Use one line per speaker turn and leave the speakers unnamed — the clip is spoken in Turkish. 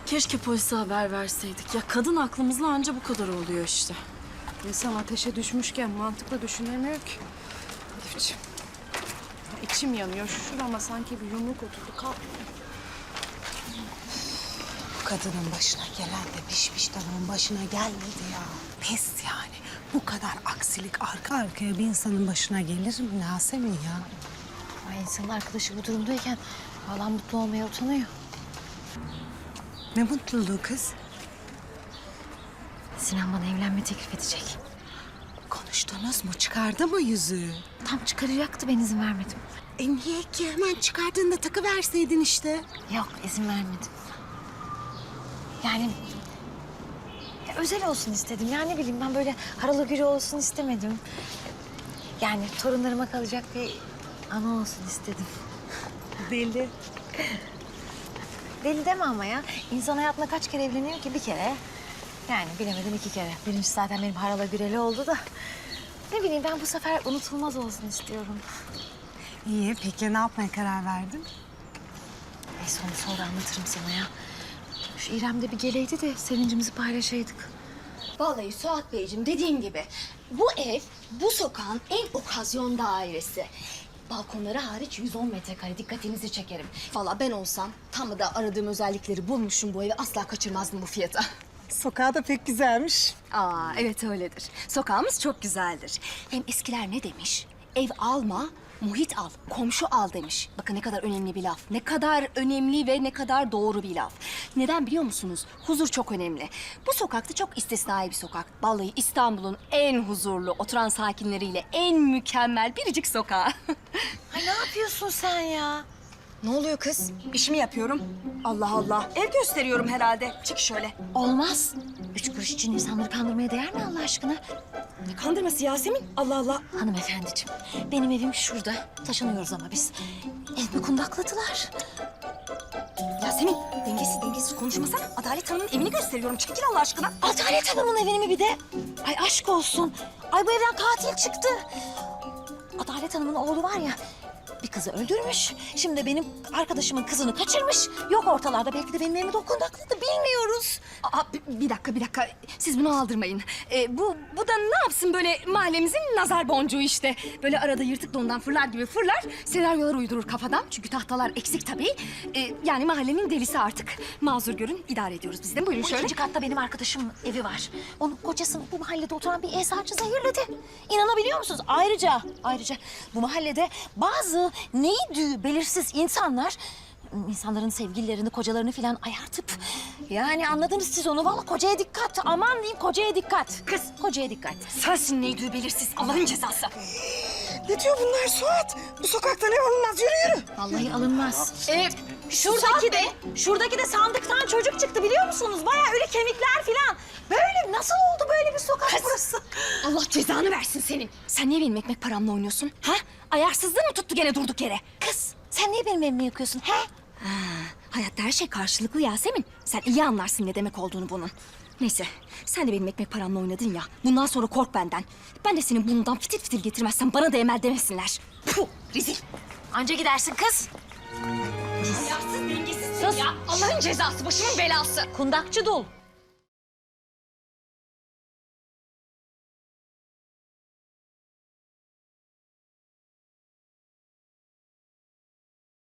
Keşke polise haber verseydik. Ya kadın aklımızla anca bu kadar oluyor işte.
İnsan ateşe düşmüşken mantıklı düşünemiyor ki. Elifciğim. Ya içim yanıyor. Şurama sanki bir yumruk oturdu. Kalkmıyor.
Bu kadının başına gelen de pişmiş tavuğun başına gelmedi ya. Pes yani. Bu kadar aksilik arka arkaya bir insanın başına gelir mi Yasemin ya?
Ay insanın arkadaşı bu durumdayken vallahi mutlu olmaya utanıyor.
Ne mutluluğu kız.
Sinan bana evlenme teklif edecek.
Konuştunuz mu? Çıkardı mı yüzüğü?
Tam çıkaracaktı, ben izin vermedim.
Niye ki? Hemen çıkardığında takıverseydin işte.
Yok, izin vermedim. Yani ya, özel olsun istedim. Ya ne bileyim, ben böyle haralı gürü olsun istemedim. Yani torunlarıma kalacak bir ana olsun istedim.
Deli.
Deli deme ama ya. İnsan hayatında kaç kere evleniyor ki? Bir kere. Yani bilemedim 2 kere. Birincisi zaten benim harala güreli oldu da. Ne bileyim, ben bu sefer unutulmaz olsun istiyorum.
İyi, peki ne yapmaya karar verdin?
Neyse, onu sonra anlatırım sana ya. Şu İrem de bir geleydi de sevincimizi paylaşaydık.
Vallahi Suat Beyciğim, dediğim gibi bu ev bu sokağın en okazyon dairesi. Balkonları hariç 110 metrekare, dikkatinizi çekerim. Vallahi ben olsam tam da aradığım özellikleri bulmuşum, bu evi asla kaçırmazdım bu fiyata.
Sokağı da pek güzelmiş.
Aa, evet öyledir. Sokağımız çok güzeldir. Hem eskiler ne demiş? Ev alma, muhit al, komşu al demiş. Bakın ne kadar önemli bir laf. Ne kadar önemli ve ne kadar doğru bir laf. Neden biliyor musunuz? Huzur çok önemli. Bu sokakta çok istisnai bir sokak. Vallahi İstanbul'un en huzurlu, oturan sakinleriyle en mükemmel biricik sokağı.
Ay ne yapıyorsun sen ya?
Ne oluyor kız? İşimi yapıyorum. Allah Allah. Ev gösteriyorum herhalde. Çık şöyle.
Olmaz. 3 kuruş için insanları kandırmaya değer mi Allah aşkına?
Ne kandırması Yasemin? Allah Allah.
Hanımefendiciğim, benim evim şurada. Taşınıyoruz ama biz. Evimi kundakladılar.
Yasemin, dengesiz konuşmasana. Adalet Hanım'ın evini gösteriyorum. Çekil Allah aşkına.
Adalet Hanım'ın evini mi bir de? Ay aşk olsun. Ay bu evden katil çıktı. Adalet Hanım'ın oğlu var ya, bir kızı öldürmüş. Şimdi de benim arkadaşımın kızını kaçırmış. Yok ortalarda, belki de benim evimi de o kundakladı, bilmiyoruz.
Aa, bir dakika. Siz bunu aldırmayın. Bu da ne yapsın böyle mahallemizin nazar boncuğu işte. Böyle arada yırtık dondan fırlar gibi fırlar. Senaryolar uydurur kafadan. Çünkü tahtalar eksik tabii. Yani mahallenin delisi artık. Mazur görün, idare ediyoruz biz de. Buyurun
Bu
şöyle.
2. katta benim arkadaşımın evi var. Onun kocasını bu mahallede oturan bir eczacı zehirledi. İnanabiliyor musunuz? Ayrıca bu mahallede bazı neydi belirsiz insanların sevgililerini, kocalarını falan ayartıp... Yani anladınız siz onu. Vallahi kocaya dikkat. Aman diyeyim, kocaya dikkat. Kız, kocaya dikkat.
Sensin neydi belirsiz. Allah'ın cezası.
Ne diyor bunlar Suat? Bu sokakta ne alınmaz? Yürü.
Vallahi alınmaz.
Şuradaki de sandıktan çocuk çıktı biliyor musunuz? Bayağı öyle kemikler falan. Böyle nasıl oldu böyle bir sokak burası? Allah cezanı versin senin. Sen niye benim ekmek paramla oynuyorsun? Ha? Ayarsızlığı mı tuttu gene durduk yere?
Kız, sen niye benim evimi yakıyorsun? He?
Hayatta her şey karşılıklı Yasemin. Sen iyi anlarsın ne demek olduğunu bunun. Neyse, sen de benim ekmek paramla oynadın ya. Bundan sonra kork benden. Ben de senin burnundan fitil fitil getirmezsem bana da emel demesinler. Puh, rezil.
Anca gidersin kız.
Ayarsız, dengesizsin ya. Allah'ın cezası, başımın belası.
Kundakçı dul.